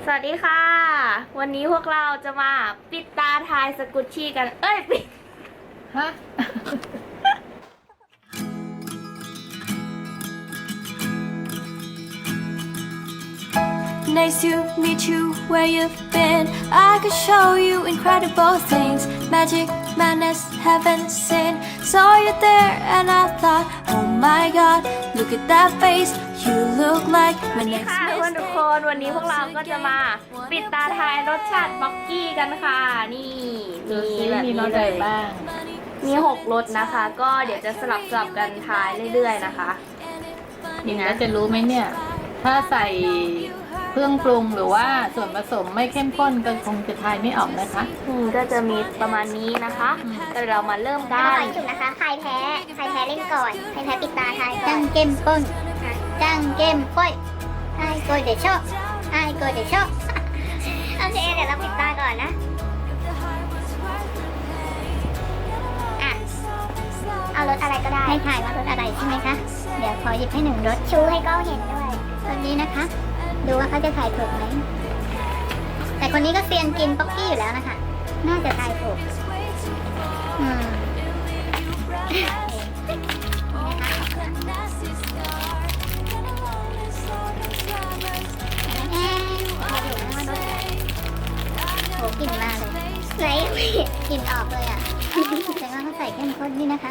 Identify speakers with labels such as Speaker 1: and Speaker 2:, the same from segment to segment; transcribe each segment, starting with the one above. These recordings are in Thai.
Speaker 1: สวัสดีค่ะ วันนี้พวกเราจะมาปิดตาทายสกุชชี่กัน ปิด
Speaker 2: ฮะ
Speaker 3: Nice to meet you where you've been. I could show you incredible things. Magic, madness, heaven, sin. Saw you there and I thought, oh my god, look at that face. You look like my next
Speaker 1: ค่ะเพื่อนทุกคน วันนี้พวกเราก็จะมาปิดตาทายรสชาติบ็อกกี้กันค่ะ นี่
Speaker 2: ดูสิ
Speaker 1: แบบ
Speaker 2: มี
Speaker 1: นี้
Speaker 2: รส
Speaker 1: เล
Speaker 2: อะไร
Speaker 1: ย
Speaker 2: บ้าง
Speaker 1: มี6รสนะคะ ก็เดี๋ยวจะสลับกันทายเรื่อยๆนะคะ นี่นะ
Speaker 2: แล้วจะรู้ไหมเนี่ย ถ้าใส่เครื่องปรุงหรือว่าส่วนผสมไม่เข้มข้นก็คงจะทายไม่ออกนะคะ
Speaker 1: ก็จะมีประมาณนี้นะคะแต่เรามาเริ่มกั
Speaker 4: ขอน จุดนะคะ ใครแพ้เล่นก่อน ใครแพ้ปิดตาทายก่อ
Speaker 5: จั
Speaker 4: น
Speaker 5: งเกมป้นจังเกมป้อยไอ้โกยเดชอบไอ้โกยเดชอบ
Speaker 4: โอเคเดี๋ยวเราปิดตาก่อนนะ อ่ะ เอารสอะไรก็ได้
Speaker 5: ให้ถ่ายว่ารสอะไรใช่ไหมคะ เดี๋ยวขอหยิบให้หนึ่งรส
Speaker 4: ชูให้กล้องเห็นด้วย
Speaker 5: รสนี้นะคะ ดูว่าเขาจะถ่ายถูกไหม แต่คนนี้ก็เซียนกินป๊อกกี้อยู่แล้วนะคะ น่าจะถ่ายถูก อืมแอนถ่ายถูกนะว่ารสอะไรโหกลิ่นมาเลย
Speaker 4: ไหน
Speaker 5: กลิ่นออกเลยอ่ะ แต่ว่าเขาใส่เข้มข้นนี่นะคะ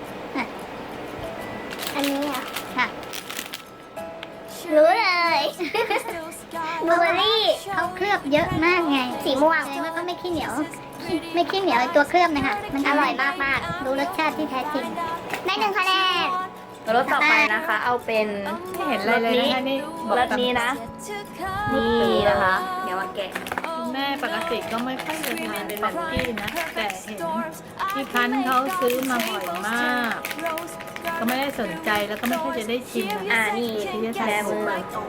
Speaker 4: อันนี้เหรอ
Speaker 5: ค่ะ
Speaker 4: รู้เลย บลูเบอร์รี่
Speaker 5: เขาเคลือบเยอะมากไง
Speaker 4: สีม่วง
Speaker 5: แสดงว่าก็ไม่ขี้เหนียว ไม่ขี้เหนียวไอ้ตัวเคลือบนะคะมันอร่อยมากๆรู้รสชาติที่แท้จริง
Speaker 4: ได้1 คะแนน
Speaker 1: รสต่อไปนะคะ เอาเป็น
Speaker 2: ไม่เห็นอะไรเลยนะคะนี่บอก
Speaker 1: รสนี้นะ นี่นะคะ เดี๋ยวมาแกะ
Speaker 2: คุณแม่ปกติก็ไม่ค่อยจะทานเป็นแบบกี้นะ แต่เห็นที่พันเขาซื้อมาบ่อยมาก ก็ไม่ได้สนใจแล้วก็ไม่ค่อยจะได้ชิมนะคะ
Speaker 1: นี่
Speaker 2: ที่จะ
Speaker 1: แช
Speaker 2: ทาน
Speaker 1: ร์มือ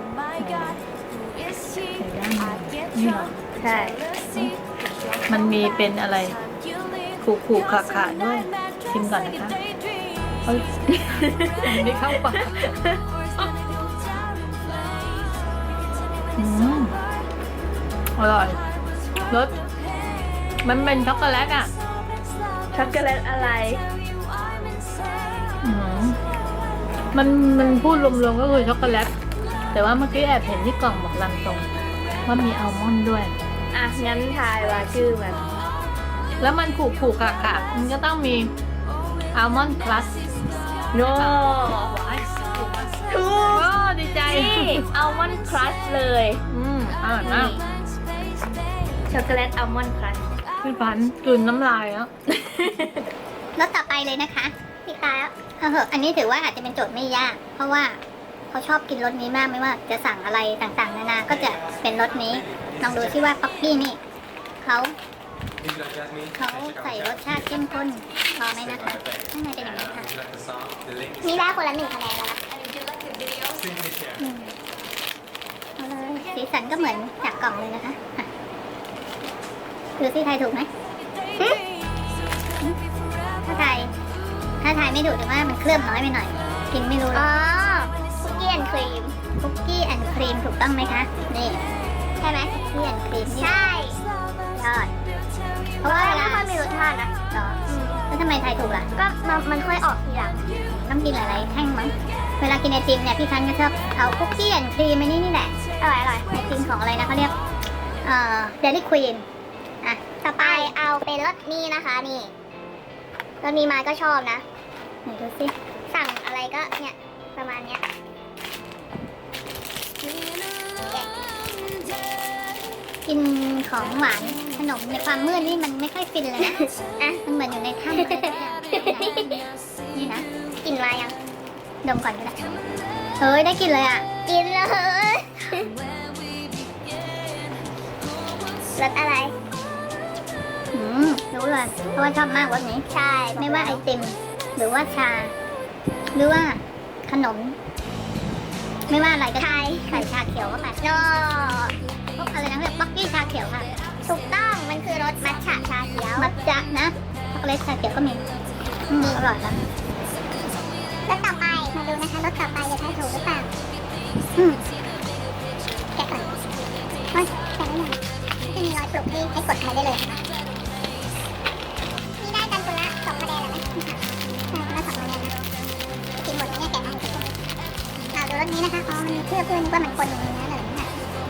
Speaker 2: ใส่ด้านในนี่เหรอ
Speaker 1: ใช่
Speaker 2: มันมีเป็นอะไรขูๆขาๆด้วย ชิมก่อนนะคะเฮ้ยมันไม่เข้าปากอร่อยรสมันเป็นช็อกโกแลตอ่ะ
Speaker 1: ช็อกโกแลตอะไร
Speaker 2: อืมมันพูดรวมๆก็คือช็อกโกแลต แต่ว่าเมื่อกี้แอบเห็นที่กล่องบอกลังตรงว่ามีอัลมอนด์ด้วย
Speaker 1: อ่ะ งั้นทายว่าชื่อมัน
Speaker 2: แล้วมันขูๆขาๆมันก็ต้องมีอัลมอนด์พลัส
Speaker 1: โน่
Speaker 2: ถูก
Speaker 1: ถูก
Speaker 2: โอ้ดีใจ
Speaker 1: นี่อัลมอนด์ครัชเลย
Speaker 2: อร่อยมาก
Speaker 1: ช็อกโกแลตอัลมอนด์ครัช
Speaker 2: พี่พันธุ์กลืนน้ำลายแล้ว
Speaker 5: รสต่อไปเลยนะคะ
Speaker 4: ปิดตาแล้ว
Speaker 5: เหอะอันนี้ถือว่าอาจจะเป็นโจทย์ไม่ยาก เพราะว่าเขาชอบกินรสนี้มากไม่ว่าจะสั่งอะไรต่างๆนานาก็จะเป็นรสนี้ ลองดูที่ว่าป๊อกกี้นี่เขาใส่รสชาติเข้มข้นพอไหมนะคะข้างในเป็นอย่างนี้ค่ะ
Speaker 4: นี่ได้คนละ1 คะแนนแล้วนะ
Speaker 5: เอาเลยสีสันก็เหมือนจากกล่องเลยนะคะอ่ะดูสิทายถูกไหมหึถ้าทายไม่ถูกถือว่ามันเคลือบน้อยไปหน่อย กินไม่รู้หร
Speaker 4: อ๋
Speaker 5: อ
Speaker 4: อก คุกกี้แอนด์ครีม
Speaker 5: คุกกี้แอนด์ครีมถูกต้องไหมคะ นี่
Speaker 4: ใช่ไหม
Speaker 5: คุกกี้แอนด์ครีมนี่
Speaker 4: ใช่
Speaker 5: ยอด
Speaker 4: เพราะว่าไม่ค่อยมีรสชาตินะ
Speaker 5: เหรอแล้วทำไมทายถูกล่ะ
Speaker 4: ก็มันค่อยออกทีหลัง
Speaker 5: ต้องกินหลายๆแท่งมั้ง เวลากินไอติมเนี่ยพี่ทันก็ชอบเอาคุกกี้แอนด์ครีมมานี่แหละ
Speaker 4: อร่อย
Speaker 5: ไอติมของอะไรนะเขาเรียกเดลี่ควีนอ่ะ
Speaker 4: ต่อไปเอาเป็นรสนี้นะคะนี่รสนี้มาก็ชอบนะ
Speaker 5: ไหนดูสิ
Speaker 4: สั่งอะไรก็เนี่ยประมาณเนี้ย
Speaker 5: กินของหวานขนมในความมืดนี่มันไม่ค่อยฟินเลยนะ
Speaker 4: อ่ะ
Speaker 5: มันเหมือนอยู่ในถ้ำอะไรสักอย่างนี่นะ
Speaker 4: กินมายัง
Speaker 5: ดมก่อนก็ได้เฮ้ยได้กลินเลยอ่ะ
Speaker 4: กินเลยรสอะไร
Speaker 5: รู้เลยเพราะว่าชอบมากรสนี้
Speaker 4: ใช่
Speaker 5: ไม่ว่าไอติม หรือว่าชา หรือว่าขนม ไม่ว่าอะไรก็ใส่ชาเขียวเข้าไป
Speaker 4: โน
Speaker 5: พวกอะไรนะเรียกป๊อกกี้ชาเขียวค่ะ
Speaker 4: ถูกต้องมันคือรสมัทฉะชาเขียว
Speaker 5: มัทจะนะช็อกโกแลตชาเขียวก็มีอร่อยแล้ว
Speaker 4: รสต่อไปมาดูนะคะรสต่อไปจะทายถูกหรือเปล่า
Speaker 5: อืม
Speaker 4: แกะก่อน
Speaker 5: เอ้ยบให้กดมาได้เลยนี่ได้กันคนละ2 คะแนนแล้วนะคนละ2 คะแนนนะกินหมดเนี่ยแกะให้ดูรสนี้นะคะอ๋อมันมีเคลือบด้วยนึกว่ามันคนอย่างนี้นะเลยนะ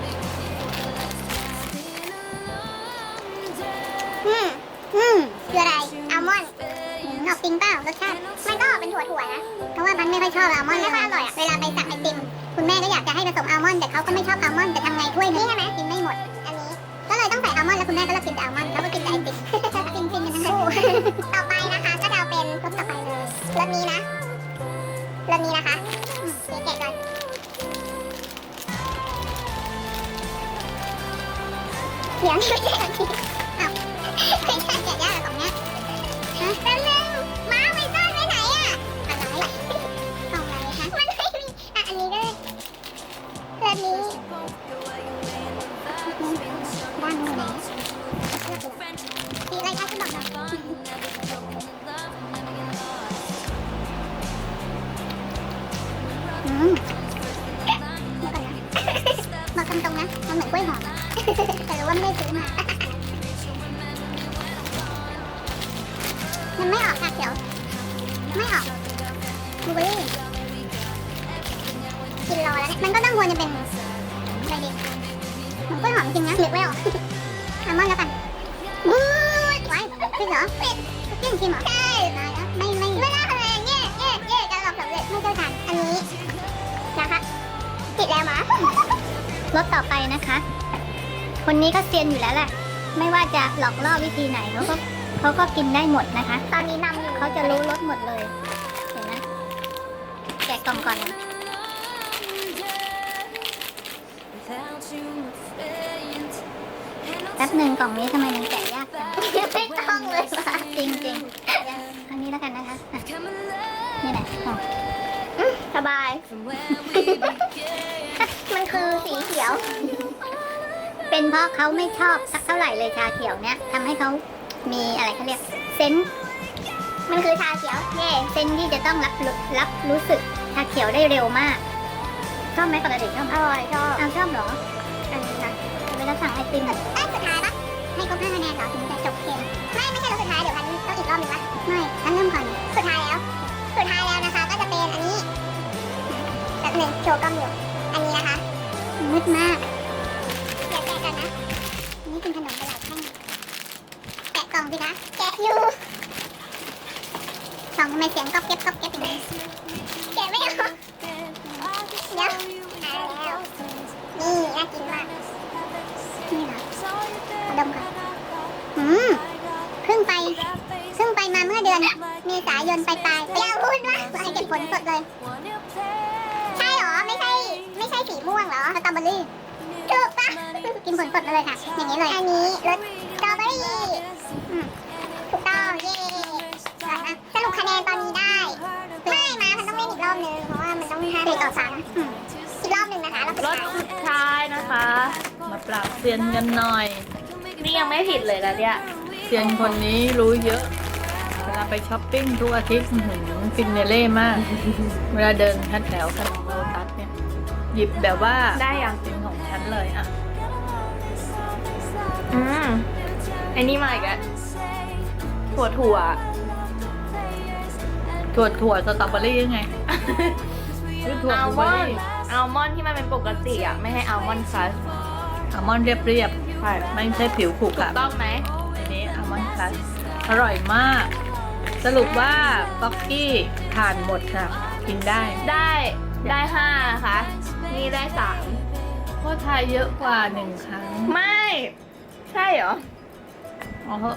Speaker 5: คืออะไรอัลมอนด์ออกจริงเปล่ารสชาติมันก็ออกเป็นถั่วๆนะเพราะว่ามันไม่ค่อยชอบอัลมอนด์ไม่ค่อยอร่อยอะเวลาไปสั่งไอติมคุณแม่ก็อยากจะให้ผสมอัลมอนด์แต่เขาก็ไม่ชอบอัลมอนด์แต่ทำไงถ้วยนี้ใช่ไหมกินไม่หมดอันนี้ก็เลยต้องใส่อัลมอนด์แล้วคุณแม่ก็เลิกกินแต่อัลมอนด์เขาก็กินแต่ไอติมฟินกันทั้งคู่ต่อไปนะคะก็จะเอาเป็นรสต่อไปเลยรสนี้นะรสนี้นะคะแกะก่อนเดี๋ยวไม่ใช่แบบนี้อ้าวไม่ใช่แกะยากแบบนี้ฮะแป๊บนึงม้าไม่ซ่อนไว้ไหนอะอะไรกล่องไหนคะมันไม่มีอ่ะอันนี้ก็เลยรสนี้ด้านนี้ไหนสีอะไรคะที่บอกหน่อยเดี๋ยวก่อนนะบอกตรงๆนะมันเหมือนกล้วยหอมอะแต่รู้ว่าไม่ได้ซื้อมามันไม่ออกค่ะเขียวไม่ออกบลูเบอร์รี่กินรอแล้วเนี่ยมันก็ต้องควรจะเป็นอะไรดีเหมือนกล้วยหอมจริงนะนึกไม่ออกอัลมอนด์แล้วกันบู๊ดไว้คือเหรอเป็ดเกี่ยงชิมเหรอใช่มาแล้วไม่น่าคะแนนเย่การลองสำเร็จไม่เจ้าทานอันนี้นะคะติดแล้วมะรสต่อไปนะคะ คนนี้ก็เซียนอยู่แล้วแหละไม่ว่าจะหลอกล่อวิธีไหนเขาก็กินได้หมดนะคะตอนนี้นำอยู่เขาจะรู้รสหมดเลยเห็นไหมแกะกล่องก่อนนะแป๊บหนึ่งกล่องนี้ทำไมมันแกะยากจังไม่ต้องเลยว่ะจริงๆอันนี้แล้วกันนะคะนี่แหละสบาย มันคือสีเขียว เป็นเพราะเขาไม่ชอบสักเท่าไหร่เลยชาเขียวเนี่ยทำให้เขามีอะไรเขาเรียกเซนส์มันคือชาเขียวเซนส์ที่จะต้องรับรู้สึกชาเขียวได้เร็วมากชอบไหมปกติชอบอร่อยชอบเหรออันนี้นะเวลาสั่งไอติมสุดท้ายปะให้ครบ5 คะแนนเหรอถึงจะจบเกมไม่ใช่รอบสุดท้ายเดี๋ยวพันต้องอีกรอบหนึ่งปะไม่พันเริ่มก่อนสุดท้ายแล้วนะคะก็จะเป็นอันนี้แบบหนึ่งโชว์กล้องอยู่อันนี้นะคะมืดมากแกะกันนะนี่กินขนมไปหลายแท่งแกะกล่องสิคะแกะอยู่กล่องทำไมเสียงก๊อบเก็บอย่างนี้แกะไม่ออกเดี๋ยวแล้วนี่น่ากินมากนี่เหรอมาดมก่อนเพิ่งไปมาเมื่อเดือนเมษายนปลายอย่าพูดว่าให้เก็บผลสดเลยใช่เหรอไม่ใช่สีม่วงเหรอสตรอเบอรี่ถูกปะกินผลสดมาเลยค่ะอย่างนี้เลยอันนี้รสสตรอเบอรี่ถูกต้องเย่สรุปคะแนนตอนนี้ได้ไม่มามันต้องเล่นอีกรอบนึงเพราะว่ามันต้อง4 ต่อ 3อีกรอบนึงนะคะ
Speaker 1: รสสุดท้ายนะคะ
Speaker 2: มาปราบเซียนกันหน่อย
Speaker 1: นี่ยังไม่ผิดเลยนะเนี่ย
Speaker 2: เซียนคนนี้รู้เยอะเวลาไปช้อปปิ้งทุกอาทิตย์ฟินเนเล่มาก เวลาเดินแถวขนมโลตัสเนี่ยหยิบแบบว่า
Speaker 1: ได้ยัง
Speaker 2: เป็นของฉันเลยอ่ะ
Speaker 1: ไอ้นี่มาอีกแล้วถั่ว
Speaker 2: ถั่วสตรอเบอรี่ยังไง หรือถั่ว
Speaker 1: อั
Speaker 2: บ
Speaker 1: ล
Speaker 2: ลู
Speaker 1: ม
Speaker 2: เบอ
Speaker 1: อน
Speaker 2: รี่
Speaker 1: ด์อัลมอนด์ที่มันเป็นปกติอ่ะไม่ให้อัลมอนด์ครัช
Speaker 2: อัลมอนด์เรียบ
Speaker 1: ใช่
Speaker 2: ๆไม่ใช่ผิวขรุขระ
Speaker 1: ต้องไหม
Speaker 2: อันนี้อัลมอนด์คลัชอร่อยมาก สรุปว่าป๊อกกี้ผ่านหมดค่ะ กินได้
Speaker 1: ได้5นะคะนี่ได้3
Speaker 2: เพราะทายเยอะกว่า1 ครั้ง
Speaker 1: ไม่ใช่เหรอ
Speaker 2: อ๋อเหอะ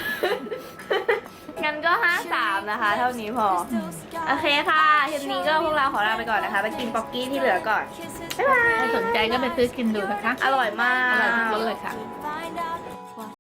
Speaker 1: งั้นก็5-3นะคะ เท่านี้พอ โอเคค่ะทีนี้ก็พวกเราขอลาไปก่อนนะคะ ไปกินป๊อกกี้ที่เหลือก่อน บ๊ายบาย
Speaker 2: ถ้าสนใจก็ไปซื้อกินดูนะคะ
Speaker 1: อร่อยมาก
Speaker 2: อร่อยทุกรสเลยค่ะ